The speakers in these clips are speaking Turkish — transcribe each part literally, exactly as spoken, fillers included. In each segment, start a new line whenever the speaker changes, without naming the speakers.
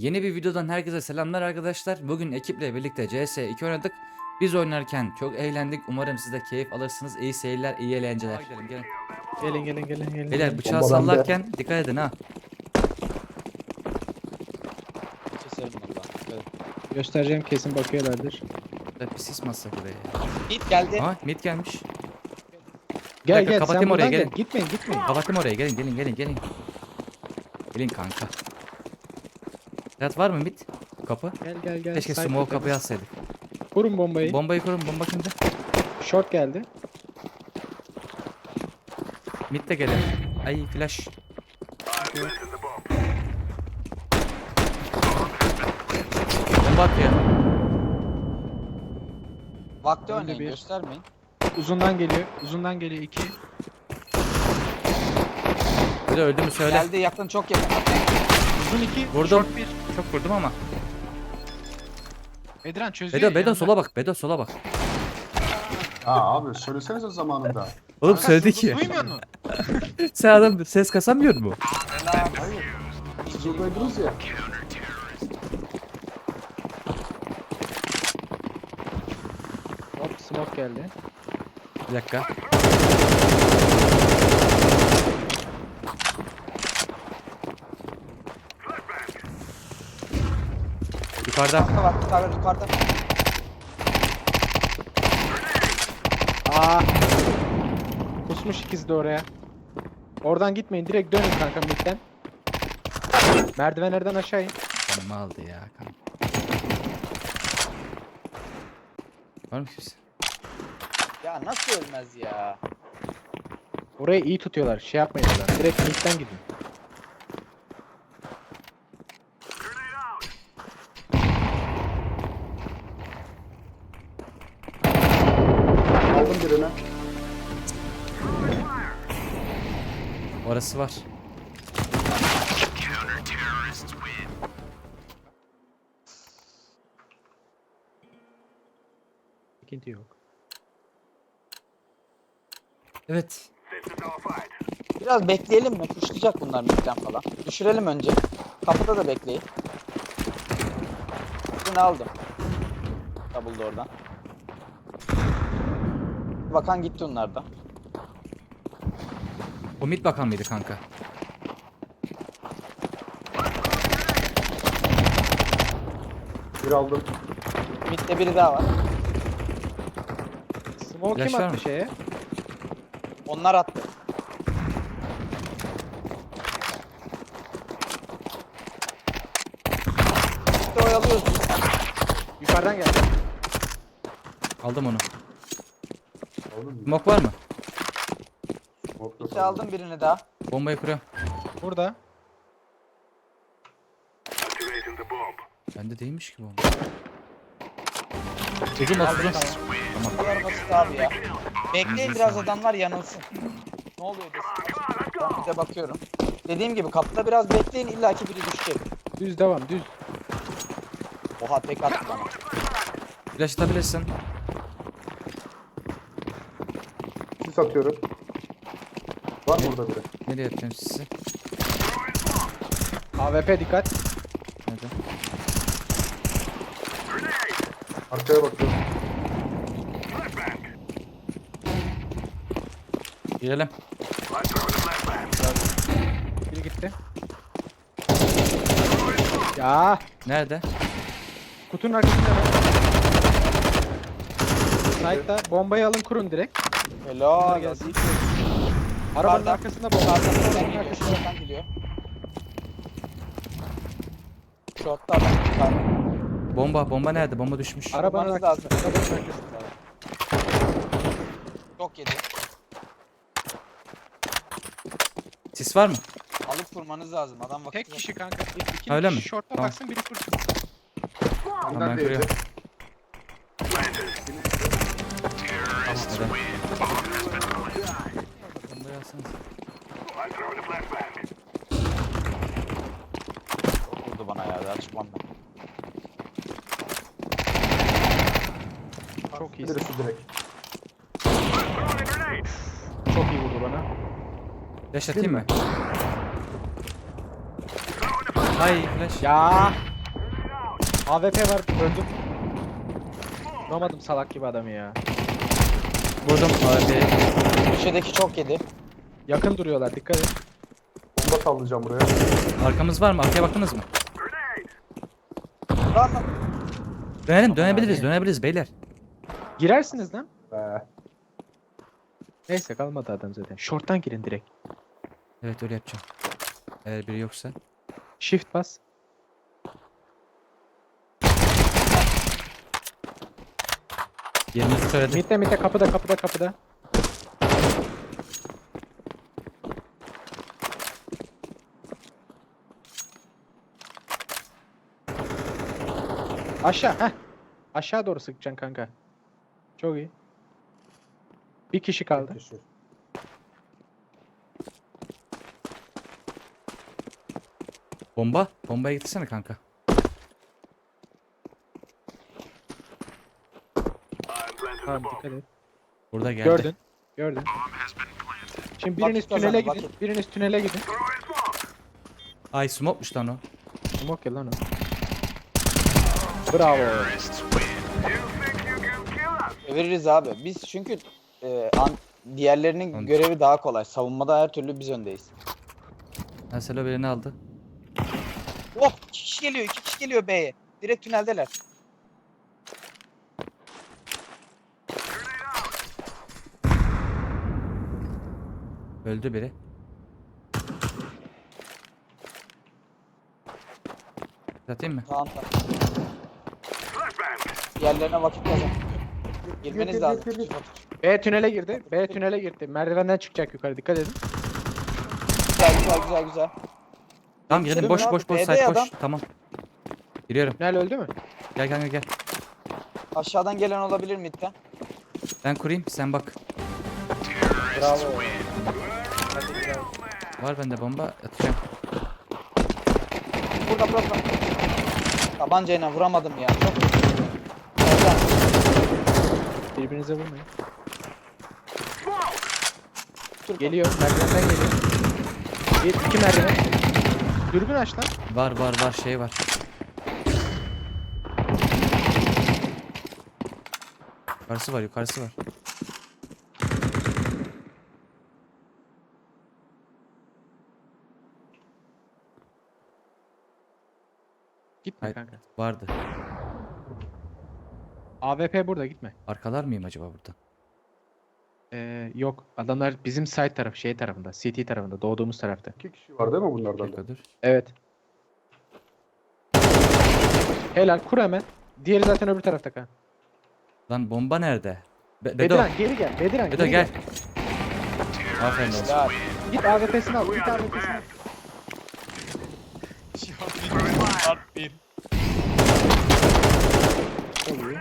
Yeni bir videodan herkese selamlar arkadaşlar. Bugün ekiple birlikte C S iki oynadık. Biz oynarken çok eğlendik. Umarım siz de keyif alırsınız. İyi seyirler, iyi eğlenceler. Gidelim, gelin.
Gelin gelin gelin gelin.
Beyler
gelin.
bıçağı
Bomba bende.
sallarken dikkat edin ha.
Keserim valla. Evet.
Göstereceğim, kesin bakıyorlardır.
Bir sis masası buraya ya.
Hit geldi.
Aha mid gelmiş.
Gel
dakika,
gel
kapatayım
sen
oraya,
buradan
gelin.
gel. Gitmeyin gitmeyin.
Kapatayım oraya, gelin gelin gelin gelin. Gelin kanka. Serhat var mı mid? Kapı.
Gel gel gel.
Keşke
Side
smoke
tutalım.
kapıyı atsaydık.
Kurun bombayı.
Bombayı kurun, bomba kimde?
Short geldi.
Mid de gelin. Ay flash. Bomba atıyor.
Vakti
Önde
oynayın
bir.
göstermeyin.
Uzundan geliyor. Uzundan geliyor iki.
Bir de öldü mü söyle.
Geldi yakın çok yakın.
Uzun iki.
Vurdum.
Short bir.
Çok vurdum ama.
Bedran çözüyor.
Bedo Bedo
yanında.
sola bak. Bedo sola bak.
Aa abi söylesenize zamanında.
Oğlum
Kanka,
söyledi
siz
ki.
Duymuyor musun?
Sen adam ses kasamıyor mu?
Hayır. Siz oradaydınız ya.
Hop smoke geldi.
Bir dakika. Yukarıda.
Yukarıda var yukarıda yukarıda.
Aa. Kusmuş ikizi de oraya. Oradan gitmeyin. Direkt dönün kanka midden. Merdivenlerden aşağı in.
Canımı aldı ya kanka. Var mı kimse?
Ya nasıl ölmez ya?
Orayı iyi tutuyorlar. Şey yapmayın oradan. Direkt midden gidin.
Aldım birini.
Orası var.
Sıkıntı yok.
Evet.
Biraz bekleyelim mi? Kuşlayacak bunlar midden falan. Düşürelim önce. Kapıda da bekleyin. Birini aldım. Double'da oradan. Bakan gitti onlardan.
O mid bakan mıydı kanka?
Bir aldım.
Midde biri daha var.
Smoke kim
Flash var
attı
mı?
şeye?
Onlar attı. Midde oyalıyoruz.
Yukarıdan geldi.
Aldım onu.
Aldım mı?
Smoke var mı?
Smoke yok.
Midde aldım birini daha.
Bombayı kuruyorum.
Burada.
Bende değilmiş ki bomba. Uzun bas uzun.
Bu kadar basit abi ya. Bekleyin biraz adamlar yanılsın. Ne oluyor desin. Ben bir de bakıyorum. Dediğim gibi kapıda biraz bekleyin illaki biri düşecek.
Düz devam düz.
Oha tek attı bana.
Flash atabilirsin.
Sis atıyorum. Var mı burada biri?
Nereye atacağım sizi?
A W P dikkat.
Nerede?
Arkaya bakıyorum.
Girelim.
Biri gitti. Ya
Nerede?
kutunun arkasında. Side'da bombayı alın kurun direkt.
Helal.
gelsin. Arabanın
Yukarıdan-
arkasında bomba.
Yukarıdan
Arabanın
oradan geliyor.
arkasında.
Şuradan geliyor. Shot'ta adam. Yukarı.
Bomba, bomba nerede? Bomba düşmüş.
Arabanın
Vurmanız
arkasında.
lazım.
Arabanın arkasında.
Çok yedi.
Sis var mı?
Alıp vurmanız lazım. Adam vakit
Tek
yok.
kişi kanka. İki, iki
Öyle
kişi
mi?
short'a
Tamam.
baksın biri kursun.
Tamam,
Bundan
ben
değildi.
kuruyorum. Neden? Bombayı alsanız.
Çok vurdu bana ya. Daha çıkmam ben.
Çok iyisin.
Birisi direkt.
Çok iyi vurdu bana.
Flash atayım mı? Hay flash.
Ya A W P var öldüm. Vuramadım salak gibi adamı ya.
Vurdum abi.
Köşedeki çok yedi.
Yakın duruyorlar dikkat et.
Bomba sallayacağım buraya.
Arkamız var mı? Arkaya baktınız mı?
Lan lan.
Dönelim dönebiliriz
abi.
dönebiliriz beyler.
Girersiniz lan.
Be.
Neyse kalmadı adam zaten. Short'tan girin direkt.
Evet öyle yapacağım. Eğer biri yoksa.
Shift bas.
Yerimizi söyledim.
Mid'de mid'de kapıda kapıda kapıda. Aşağı heh. Aşağı doğru sıkacaksın kanka. Çok iyi. Bir kişi kaldı.
Kişi.
Bomba. Bombaya gitsene kanka.
Tamam dikkat et.
Burada geldi.
Gördün. Gördün. Şimdi biriniz
Vakit
tünele
kazanın,
gidin.
vakit.
Biriniz tünele gidin.
Ay smoke'muş lan o.
Smoke ya lan o. Bravo.
Çeviririz abi. Biz çünkü e, an, diğerlerinin
Anladım.
görevi daha kolay. Savunmada her türlü biz öndeyiz.
Mesela birini aldı.
Oh, iki kişi geliyor, iki kişi geliyor B'ye. Direkt tüneldeler.
Öldü biri. Atayım mı?
Tamam tamam. Diğerlerine vakit kazan. Girmeniz
gir,
lazım.
gir, gir.
B tünele girdi. B tünele girdi. Merdivenden çıkacak yukarı dikkat edin.
Güzel güzel güzel güzel.
Tamam girelim
Girelim
boş
abi,
boş boş
B'de
side
adam.
boş. Tamam. Giriyorum.
Tünel öldü mü?
Gel gel gel gel.
Aşağıdan gelen olabilir midden.
Ben kurayım sen bak.
Bravo. Hadi bravo.
Var bende bomba atacağım.
Burada burada. burada. Tabancayla vuramadım ya. Çok Oradan.
Birbirinize vurmayın.
Türk-
Geliyor. Merdivenden geliyor. Bir, iki merdiven. Dürbün aç lan.
Var var var şey var. Yukarısı var yukarısı var.
Gitme
Hayır.
kanka.
Vardı.
A W P burada gitme.
Arkalar mıyım acaba burada?
Ee, yok. Adamlar bizim side tarafı, şey tarafında. C T tarafında. Doğduğumuz tarafta.
İki kişi var değil mi bunlardan da?
Dakika dur.
Evet. Helal. Kur hemen. Diğeri zaten öbür tarafta kan.
Lan bomba nerede? Be Bedo.
Bediran geri gel. Bediran
Bedo
geri
gel.
gel.
Aferin olsun.
Güzel.
Git A W P'sini al. Git A W P'sini al. Çok iyi.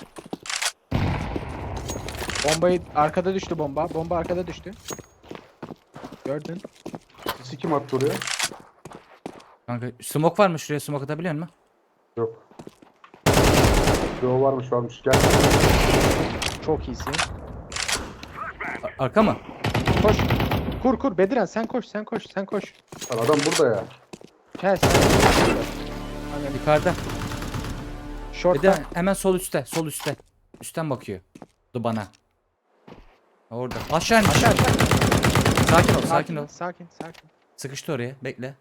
Bombayı arkada düştü bomba. Bomba arkada düştü. Gördün.
Sisi kim attı oraya?
Kanka smoke var mı şuraya smoke atabiliyor musun?
Yok. Yo varmış varmış. Gel.
Çok iyisin.
A- Arka mı?
Koş. Kur kur Bediran sen koş sen koş sen koş.
Lan adam burada ya.
Gel sen.
Yukarıda.
Short'ta.
Bir de hemen sol üstte, sol üstte. Üstten bakıyor. Du bana. Orada. Aşağı in.
Aşağı aşağı.
Sakin ol, sakin ol.
Sakin sakin.
Sıkıştı oraya. Bekle.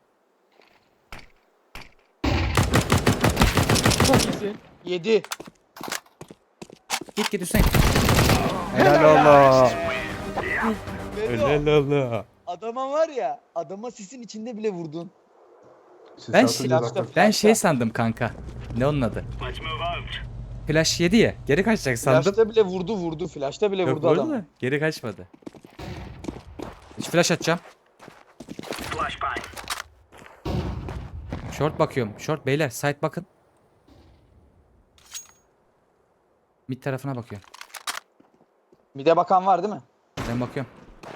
Çok iyisin.
Yedi.
Git git üstten git.
Helal
Allah.
Bedo,
Allah.
adama var ya, adama sisin içinde bile vurdun.
Sis
Ben
atınca
şey-
zaten-
Ben şey sandım kanka. Ne onun adı? Flash yedi ya. Geri kaçacak sandım.
Flash'ta bile vurdu vurdu. Flash'ta bile
Yok
vurdu
vurdu
adam.
da geri kaçmadı. Hiç flash atacağım. Short bakıyorum. Short beyler side bakın. Mid tarafına bakıyorum.
Mide bakan var değil mi?
Ben bakıyorum.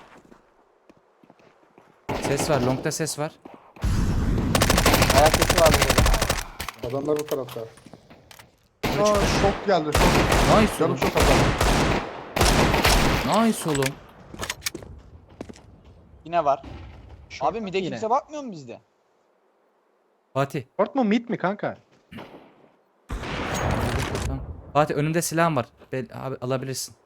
Ses var. Long'da ses var.
Ayak sesi var burada.
Adamlar bu tarafta. Aa şok geldi şok.
Nice
Canım
oğlum.
şok adam.
Nice oğlum.
Yine var.
Short
Abi mide
yine.
kimse bakmıyor mu bizde?
Fatih.
Short mu mid mi kanka?
Fatih önümde silahım var. Be abi alabilirsin.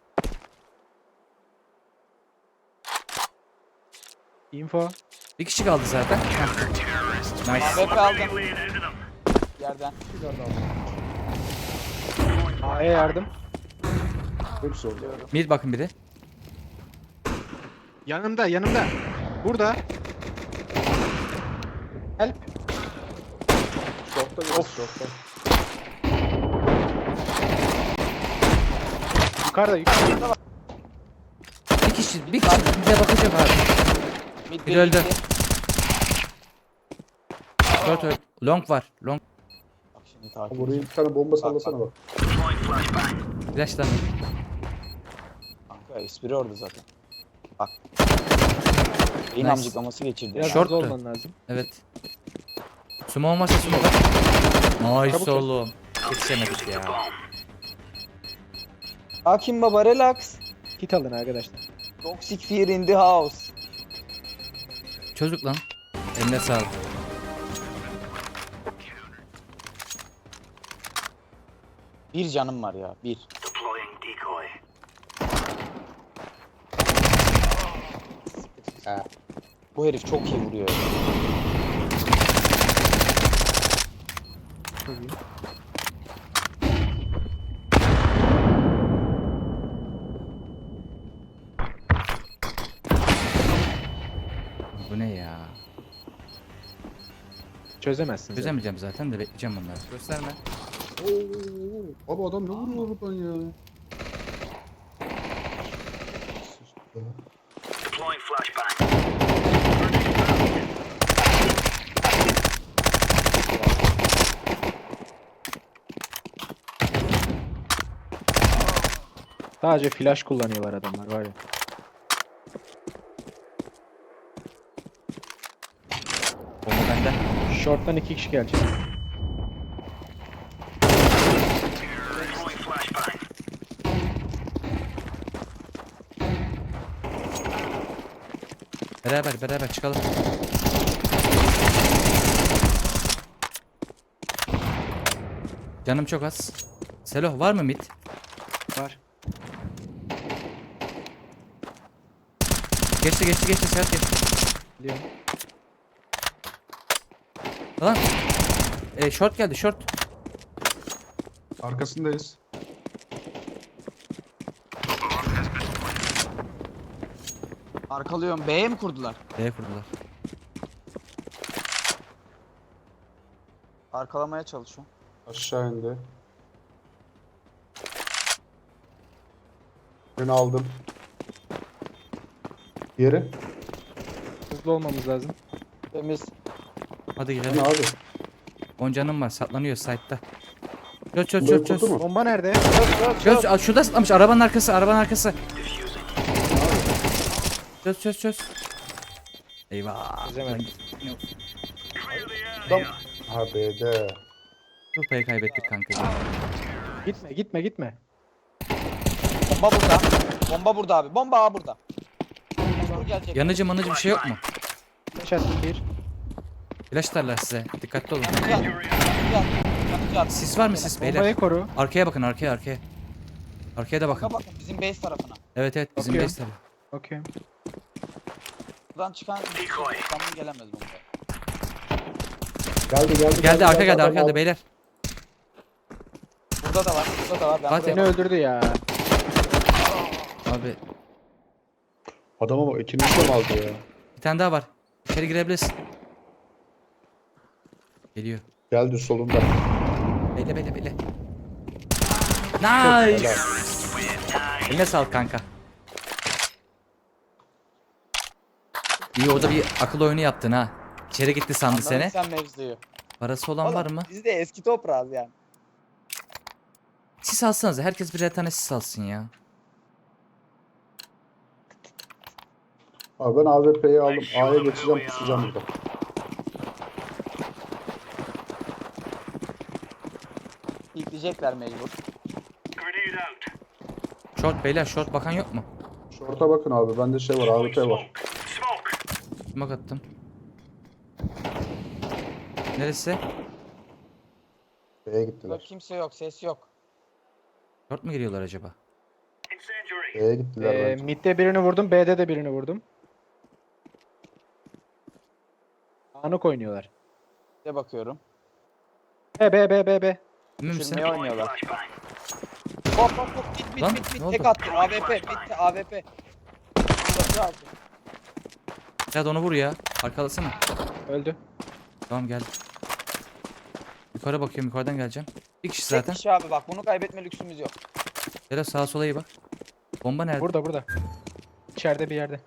Info.
Bir kişi kaldı zaten. Heh. Nice.
A W P aldım. Yerden.
A'ya yardım.
Hepsi orada.
Mid bakın biri.
Yanımda yanımda. Burada. Help.
Short'ta biraz short'ta.
Yukarıda yukarıda.
Bir kişi, bir kişi bize bakacak abi.
Mid
Bir öldü.
gitti.
Short öldü. Long var. Long.
Bak şimdi takip
Buraya
edeceğim.
bir tane bomba sallasana bak.
Flash lan.
Kanka espri orada zaten. Bak. Beyin
Nice.
amcıklaması geçirdi.
Biraz
Short
hızlı
da.
olman lazım.
Evet. Sumo varsa sumo bak. Nice
Çabuk
oğlum. Yetişemedik ya.
Hakim baba relax.
Kit alın arkadaşlar.
Toxic fear in the house.
Çocuk lan. Eline sağlık.
Bir canım var ya. Bir.
Ha.
Bu herif çok iyi vuruyor.
Çok iyi.
Bu ne ya?
Çözemezsin. zaten.
Çözemeyeceğim zaten de bekleyeceğim bunları. Gösterme.
Oo, abi adam ne vuruyor oradan ya?
Sadece flash kullanıyorlar adamlar var ya.
Bomba bende.
Short'tan iki kişi gelecek.
Beraber beraber çıkalım. Canım çok az. Selo var mı mid?
Var.
Geçti geçti geçti Serhat geçti.
Biliyorum.
Lan. E, short geldi short.
Arkasındayız.
Arkalıyorum. B'ye mi kurdular?
B'ye kurdular.
Arkalamaya çalışıyorum.
Aşağı indi. Birini aldım. Diğeri.
Hızlı olmamız lazım.
Temiz.
Hadi
Ne
girelim.
abi?
on canım var saklanıyor site'da. Çöz çöz
Burayı
çöz çöz.
kurdu mu?
Bomba nerede?
Çöz aa, şurada sıklamış arabanın arkası arabanın arkası. Çöz çöz çöz. Eyvah.
Çözemedim.
Adam. Ha B'de.
Kupayı kaybettik kanka.
Gitme gitme gitme.
Bomba burada. Bomba burada abi. Bomba A burada. Dur gelecek.
Yanıcı manıcı bir şey yok mu?
Flash attım bir.
Flash atarlar size. Dikkatli olun.
Yanıcı at. Yanıcı at. Yanıcı at.
Sis var mı sis beyler?
Bombayı koru.
Arkaya bakın arkaya arkaya. Arkaya da bakın.
Kanka bakın bizim base tarafına.
Evet evet bizim
Bakıyorum.
base tabi.
Bakıyorum.
Buradan çıkan tamam gelemez bomba.
Geldi geldi.
Geldi arka geldi
Adam
arka geldi
aldı.
beyler.
Burada da var. Burada da var. Ben
Fatih.
buraya
Beni öldürdü ya.
Abi
Adama bak ikincisi de aldı ya.
bir tane daha var. İçeri girebilirsin. Geliyor.
Geldi solunda.
Bekle bekle bekle.
Helal.
Nice. Eline sağlık kanka. İyi orada bir akıl oyunu yaptın ha. İçeri gitti sandı
Anladın
seni.
sen mevzuyu.
Parası olan var mı?
Biz de eski toprağız yani.
Sis alsanıza. Herkes birer tane sis alsın ya.
Abi ben A W P'yi aldım. A'ya geçeceğim pusacağım burada.
İlkleyecekler mecbur.
Short beyler short bakan yok mu?
Short'a bakın abi. Bende şey var. A W P var.
Smoke attım. Neresi?
B'ye
Yok
gittiler.
kimse yok. Ses yok.
Short mu geliyorlar acaba?
B'ye gittiler
Ee,
bence.
mid'de birini vurdum. B'de de birini vurdum. Anık oynuyorlar.
Bir de bakıyorum.
B B B B B.
Emin misin?
Düşürmeye oynuyorlar. Hop hop hop bit bit
Lan,
bit
ne
bit
oldu?
tek attı. A W P bitti A W P. Burası aldı.
Ya da onu vur ya. Arkalasana.
Öldü.
Tamam geldim. Yukarı bakıyorum, yukarıdan geleceğim. Bir kişi
Tek
zaten.
kişi abi bak bunu kaybetme lüksümüz yok.
Hele sağa sola iyi bak. Bomba nerede?
Burada burada. İçeride bir yerde.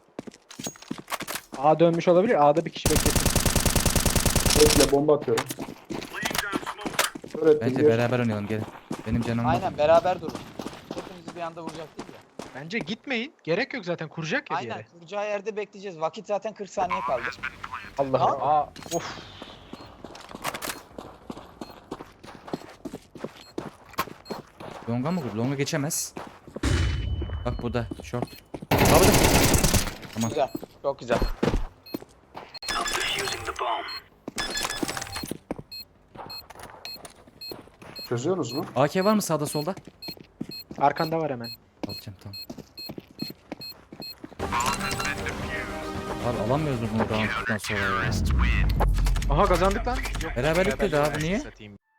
A dönmüş olabilir. A'da bir kişi beklesin.
Bekle bomba atıyorum. Öğrettim
Bence
bir.
beraber oynayalım gelin. Benim canım var.
Aynen beraber durun. Hepimizi bir anda vuracak değil ya.
Bence gitmeyin. Gerek yok zaten. Kuracak ya bir
Aynen
yere.
kuracağı yerde bekleyeceğiz. Vakit zaten kırk saniye kaldı.
Allah
Aa.
Allah. Aa, of.
Longa mı vurdu? Longa geçemez. Bak burada short. Abi de. Tamam.
Güzel. Çok güzel.
Çözüyoruz mu?
A K var mı sağda solda?
Arkanda var hemen.
Alacağım tamam. Abi alamıyoruz bunu round'dan sonra ya.
Aha kazandık lan.
Beraberlik dedi abi niye?
Satayım.